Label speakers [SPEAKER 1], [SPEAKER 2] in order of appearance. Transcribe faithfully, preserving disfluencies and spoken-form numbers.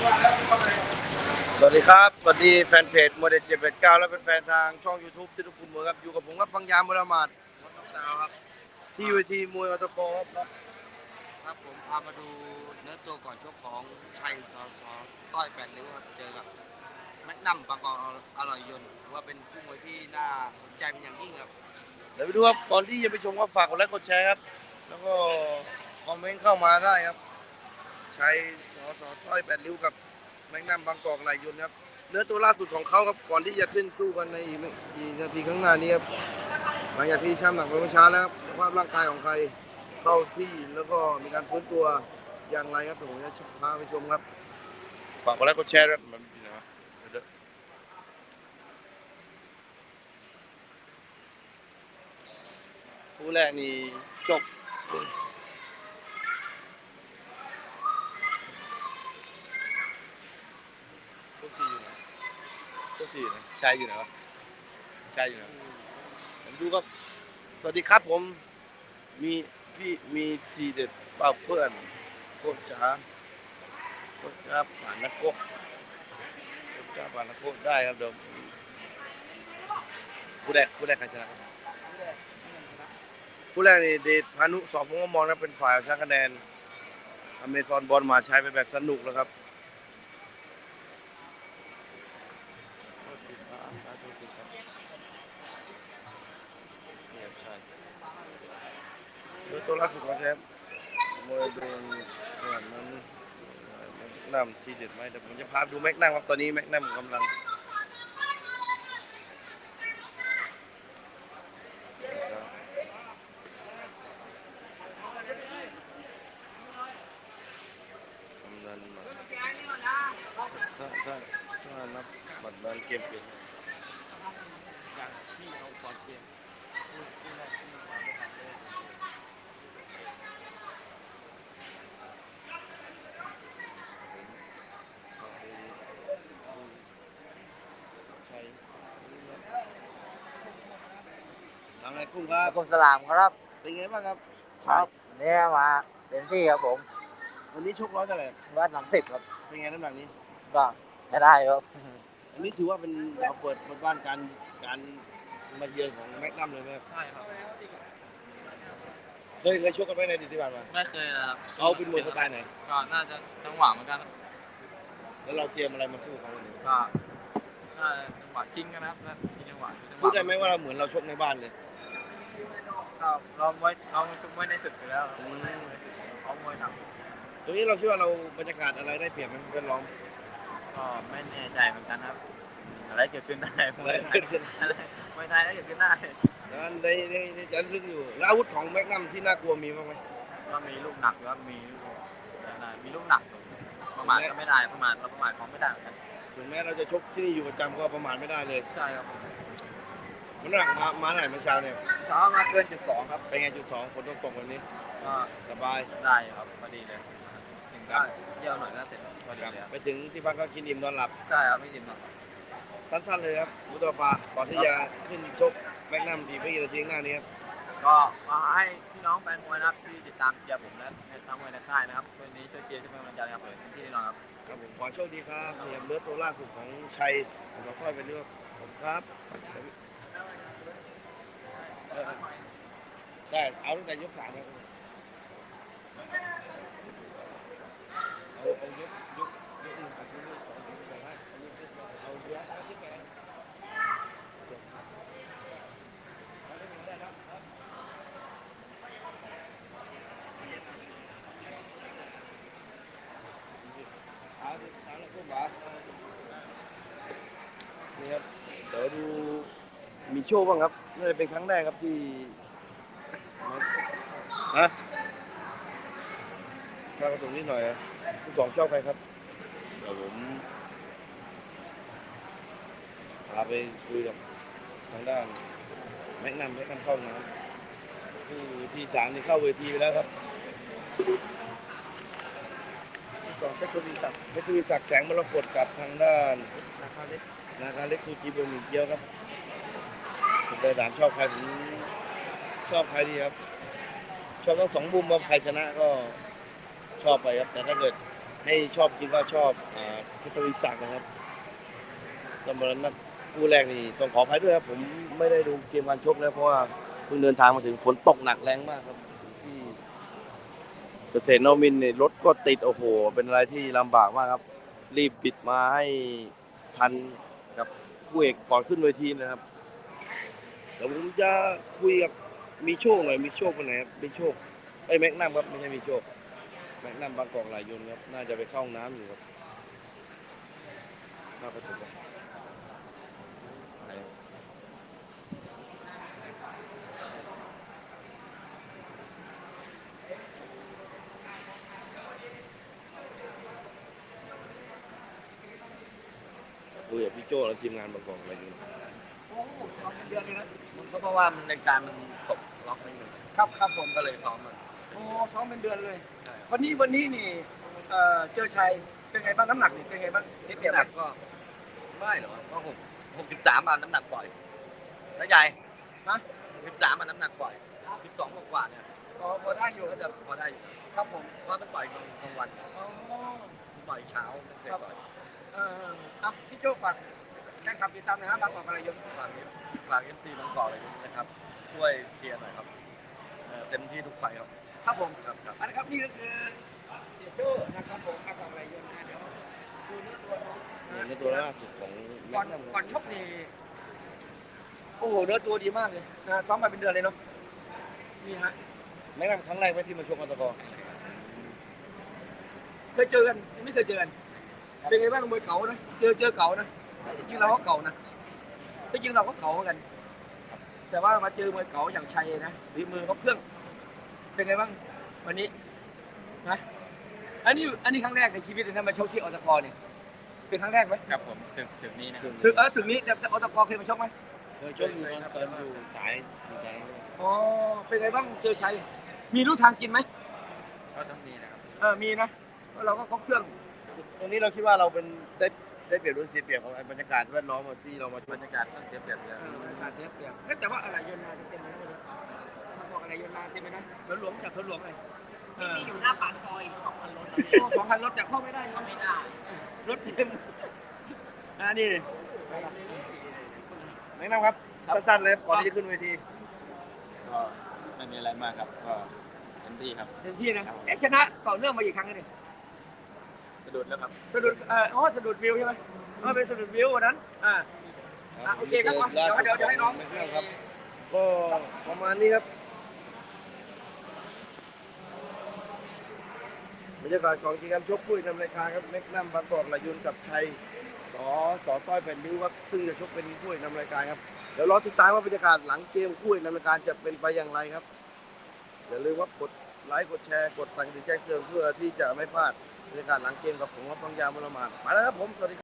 [SPEAKER 1] สวัสดีครับสวัสดีแฟนเพจโมเดลเจ็ดแปดเก้าและเป็นแฟนทางช่องยูทูบที่ทุกคนมวยครับอยู่กับผมครับบางยามบุรมาศ
[SPEAKER 2] วัดน้องดาวครับ
[SPEAKER 1] ที่เวทีมวยอตกครับ
[SPEAKER 2] ครับผมพามาดูเนื้อตัวก่อนชกของชัยสอสอต้อยแปดริ้วครับเจอกับแม็กนัมบางกอกอร่อยยนต์ว่าเป็นคู่มวยที่น่าสนใจเป็นอย่างยิ่งครับ
[SPEAKER 1] เดี๋ยวไปดูครับก่อนที่จะไปชมก็ฝากกดไลค์กดแชร์ครับแล้วก็คอมเมนต์เข้ามาได้ครับชัยสอสอต้อยแปดริ้วกับแมกนัมบางกอกไหลยนต์ครับเนื้อตัวล่าสุดของเขาครับก่อนที่จะขึ้นสู้กันในอีกไม่กี่นาทีข้างหน้านี้ครับหลังจากที่ช่ำหนักไปเมื่อเช้าแล้วครับสภาพร่างกายของใครเข้าที่แล้วก็มีการฟื้นตัวอย่างไรครับผมจะพาไปชมครับฝากกดไลค์กดแชร์ครับมันเป็นไงวะเดี๋ยวคู่แรกนี่จบทุกทีอยู่ไหนทุกทีอยู่ไหนชายอยู่ไหนวะชายอยู่ไหนผมดูครับสวัสดีครับผมมีพี่มีทีเด็ดเป่าเพื่อนโคตรจ๋าโคตรจ๋าผ่านนักกบโคตรจ๋าผ่านนักกบได้ครับเดี๋ยวคู่แรกคู่แรกใครชนะครับคู่แรกนี่เดชพานุสอบผมก็มองนะเป็นฝ่ายชนะคะแนนอเมซอนบอลมาใช้ไปแบบสนุกแล้วครับโดยตัวล่าสุดของแชมป์มวยโดนขนาดนั้นนำทีเด็ดไหมแต่ผมจะพาดูแม็กนัมครับตอนนี้แม็กนัมกำลังกำลังมาถ้าถ้าถ้านับบัตรบอลเกมเปลี่ยน
[SPEAKER 2] อย่างที่เราก่อนเกมคู่คู่แรกที่มาไม่ทันเลย
[SPEAKER 1] ใช่ทำอะไรกุ้งครับ
[SPEAKER 3] คุณสลามครับ
[SPEAKER 1] เป็นไงบ้างครับ
[SPEAKER 3] ครับเนี่ยมาเต็มที่ครับผม
[SPEAKER 1] วันนี้ชกร้อยเท่าไหร่
[SPEAKER 3] วัดหลังสิบครับ
[SPEAKER 1] เป็นไงน้ำหนักนี้
[SPEAKER 3] ก็ไม่ได้ครับ
[SPEAKER 1] อันนี้ถือว่าเป็นเราเปิดบ้านการการมาเยือนของแม็กนัมเลยไหมครับ
[SPEAKER 2] ใช่ครับ
[SPEAKER 1] เคยเคยชกกันไหมในอดีตที่ผ่านมา
[SPEAKER 2] ไม่เคยนะครับ
[SPEAKER 1] เขาเป็นมวยสไตล์ไหน
[SPEAKER 2] ก็น่าจะจังหวะเหมือนกัน
[SPEAKER 1] แล้วเราเตรียมอะไรมาสู้เขาวันนี้
[SPEAKER 2] ก็น่าจะจังหวะชิงกันนะครับชิงจังหวะ
[SPEAKER 1] พูดได้ไหมว่าเราเหมือนเราชกในบ้านเลย
[SPEAKER 2] ก็เราไว้เราชุกไว้ในสุดอยู่แล้วเขามวยหนัก
[SPEAKER 1] ตรงนี้เราคิดว่าเราบรรยากาศอะไรได้เปรียบไหมเพื่อนร้อง
[SPEAKER 2] ก็ไม่แน่ใจเหมือนกันครับอะไรเกิดขึ้นได้
[SPEAKER 1] อะไรเกิดขึ้น
[SPEAKER 2] อะไรมวยไทยอะไรเกิดขึ้นได้
[SPEAKER 1] นั้นในในในจะลึกอยู่แล้วอาวุธของแม็กนัมที่น่ากลัวมีบ้างไหม
[SPEAKER 2] ก็มีลูกหนักแล้วมีลูกได้มีลูกหนักประมาทก็ไม่ได้ประมาทเราประมาทของไม่ได้เหมือนกัน
[SPEAKER 1] ถึงแม้เราจะชกที่นี่อยู่ประจำก็ประมาทไม่ได้เลย
[SPEAKER 2] ใช่ครับ
[SPEAKER 1] มันหนักมามาไหนเมื่อเช้าเนี่ย
[SPEAKER 2] เช้ามาเกินจุดสองครับ
[SPEAKER 1] เป็นไงจุดสองฝนตกตกวันนี้
[SPEAKER 2] ก็
[SPEAKER 1] สบาย
[SPEAKER 2] ได้ครับพอดีเลยถึงก็เยี่ยวหน่อยก็เสร็จพอดีเลย
[SPEAKER 1] ไปถึงที่พักก็กินอิ่มนอนหลับ
[SPEAKER 2] ใช่ครับไม่จิมหรอก
[SPEAKER 1] สั้นๆเลยครับมุตตาฟาก่อนที่จะขึ้นชกแม็กนัมทีไม่กี่นาทีข้างหน้านี้ครับ
[SPEAKER 2] ก็มาให้พี่น้องแฟนมวยนะครับที่ติดตามเชียร์ผมและในทั้งมวยในค่ายนะครับช่วยนี้ช่วยเชียร์ช่วยเป็นกำลังใจครับเลยที่แน่นอนครับ
[SPEAKER 1] ครับผมขอโชคดีครับเนี่ยเลือดตัวล่าสุดของชัยสอต้อยเป็นเรื่องผมครับเออได้เอาตั้งแต่ยกสามครับเอาเอายกยกยกหนึ่งกับยกสองเอาเยอะเอาเยอะไปเอาเอาแล้วก็บ้านี่ครับเดี๋ยวดูมีโชว์บ้างครับน่าจะเป็นครั้งแรกครับที่ฮะข้าวกระตุกนิดหน่อยอ่ะคุณสองชอบใครครับเดี๋ยวผมพาไปคุยกับทางด้านแม็กนัมแม็กนัมเข้าน้ำที่ที่สามนี่เข้าเวทีไปแล้วครับสองเพชรทวีศักดิ์เพชรทวีศักดิ์แสงมรกตกับทางด้านนาคาเล็กนาคาเล็กซูจิบะหมี่เกี๊ยวครับผมไปถามชอบใครผมชอบใครดีครับชอบทั้งสองมุมว่าใครชนะก็ชอบไปครับแต่ถ้าเกิดให้ชอบคิดว่าชอบอ่าเพชรทวีศักดิ์นะครับสำหรับนัดคู่แรกนี่ต้องขออภัยด้วยครับผมไม่ได้ดูเกมการชกแล้วเพราะว่าเพิ่งเดินทางมาถึงฝนตกหนักแรงมากครับที่เกษตรนวมินทร์เนี่ยรถก็ติดโอ้โหเป็นอะไรที่ลำบากมากครับรีบปิดมาให้ทันกับคู่เอกก่อนขึ้นเวทีนะครับเดี๋ยวผมจะคุยกับมีโชคหน่อยมีโชคคนไหนครับมีโชคไอ้ยแม็กนัมครับไม่ใช่มีโชคแม็กนัมบางกอกหลายยนต์ครับน่าจะไปเข้าห้องน้ำอยู่ครับน่าประตูครับคุยกับพี่โจ้และทีมงานบางกอกหลายยนต์
[SPEAKER 4] โอ้ซ้อมเป็นเดือนเลยนะ
[SPEAKER 3] มันก็เพราะว่ามันในการมันตกล็อกนิดนึง
[SPEAKER 4] ครับครับผม
[SPEAKER 3] ก็เลยซ้อมมัน
[SPEAKER 4] โอ้ซ้อมเป็นเดือนเลย
[SPEAKER 3] ใช่ครับ
[SPEAKER 4] วันนี้วันนี้นี่เอ่อเจอชัยเป็นไงบ้างน้ำหนักนี่เป็นไงบ้างเสียเปรียบ
[SPEAKER 3] น้ำห
[SPEAKER 4] ไหม
[SPEAKER 3] นักก็ไม่หรอกก็หกหกสิบสามอ่ะน้ำหนักปล่อยแล้วใหญ่
[SPEAKER 4] นะ
[SPEAKER 3] หกสิบสามอ่ะน้ำหนักปล่อยสิบสองกว่าๆเนี่ย
[SPEAKER 4] พอพอได้อยู่
[SPEAKER 3] ก็จะพอได้อยู่
[SPEAKER 4] ครับผม
[SPEAKER 3] เพราะมันปล่อยกลางกลางวัน
[SPEAKER 4] อ๋อ
[SPEAKER 3] มันปล่อยเช้าไม่เคยปล่อย
[SPEAKER 4] เอออ่ะพี่โจ้ฝากแฟนคลับติดตามหนะฮะบางกอกอะไรยนต์
[SPEAKER 3] ฝากฝากเอฟซีบางกอกเลยนะครับ ช่วยเชียร์หน่อยครับเอ่อเต็มที่ทุกไฟครับ
[SPEAKER 4] ครับผม
[SPEAKER 3] ครับครับ
[SPEAKER 4] อันนะครับนี่ก็คือเสียโจ้นะครับผมบางกอกอะไรยนต์นะเดี๋ยวดูเนื้อตัวน้องนะ
[SPEAKER 1] ในตัวล่าสุดของ
[SPEAKER 4] ก่อนก่อนชกนี่โอ้โหเนื้อตัวดีมากเลยนะซ้อมมาเป็นเดือนเลยเนาะนี่ฮะ
[SPEAKER 1] แม็กนัมครั้งแรกไหมที่มาชกอัลตะกอ
[SPEAKER 4] เคยเจอกันไม่เคยเจอกันเป็นไงบ้างมวยเก่านะเจอเจอเก่านะจริงๆเราก็เก่านะจริงๆเราก็เก่าเหมือนกัน แต่ว่ามาเจอมวยเก่าอย่างชัยนะฝีมือเขาเครื่อง เป็นไงบ้างวันนี้นะอันนี้อันนี้ครั้งแรกในชีวิตเลยนะมาชกที่อตกเนี่ยเป็นครั้งแรกไหม
[SPEAKER 3] ครับผมศึกศึกนี้นะครับ
[SPEAKER 4] ศึกเออศึกนี้แต่แต่อตกเคยมาชกไหม
[SPEAKER 1] เคยชกอยู่ตอนตอนอยู่สายอยู่สาย
[SPEAKER 4] อ๋อเป็นไงบ้างเจอชัยมีรู้ทางกินไหม
[SPEAKER 3] ก็ต้องมีนะครับ
[SPEAKER 4] เออมีนะเพราะเราก็ครบเครื่อง
[SPEAKER 1] ตรงนี้เราคิดว่าเราเป็นได้ได้เปรียบหรือเสียเปรียบของบรรยากาศแวดล้อมที่เรามา
[SPEAKER 3] บรรยากาศต้องเสียเปรียบเยอะ
[SPEAKER 4] เออการเสียเปรียบเฮ้ยแต่ว่าอะไรโยนมาเต็มเลยนะบอกอะไรโยนมาเต็มเลยนะสวนหลวงจากสวนหลวงเลยที่อยู่หน้าปากซอยสองพันรถสองพันรถแต่เข้าไม่ได้เข้าไม่ได้รถเต็มอ่านี่
[SPEAKER 1] แม็กนัมครับสั้นๆเลยก่อนที่จะขึ้นเวที
[SPEAKER 3] ก็ไม่มีอะไรมากครับ ก็เต็มที่ครับ
[SPEAKER 4] เต็มที่นะเอ๊ะชนะต่อเนื่องมาอีกครั้งนึง
[SPEAKER 3] สะดุดแล้วครับ
[SPEAKER 4] สะดุดเอ่ออ๋อสะดุดวิวใช่ไหมอ๋อเป็นสะดุดวิววันนั้นอ่าอ่ะโอเคครับเดี๋ยวเดี๋ยวเดี๋ยวให้น้อง
[SPEAKER 1] แม็กนัมครับก็ประมาณนี้ครับบรรยากาศของกิจกรรมชกปุ้ยนำรายการครับแม็กนัมบางกอกหลายยนต์กับชัยสอสอต้อยแผ่นริ้วครับซึ่งจะชกเป็นคู่เอกนำรายการครับเดี๋ยวรอติดตามว่าบรรยากาศหลังเกมคู่เอกนำรายการจะเป็นไปอย่างไรครับอย่าลืมว่ากดไลค์กดแชร์กดสั่งติดแจ้งเตือนเพื่อที่จะไม่พลาดบรรยากาศหลังเกมกับผมครับทองยาวมรมาศไปแล้วครับผมสวัสดี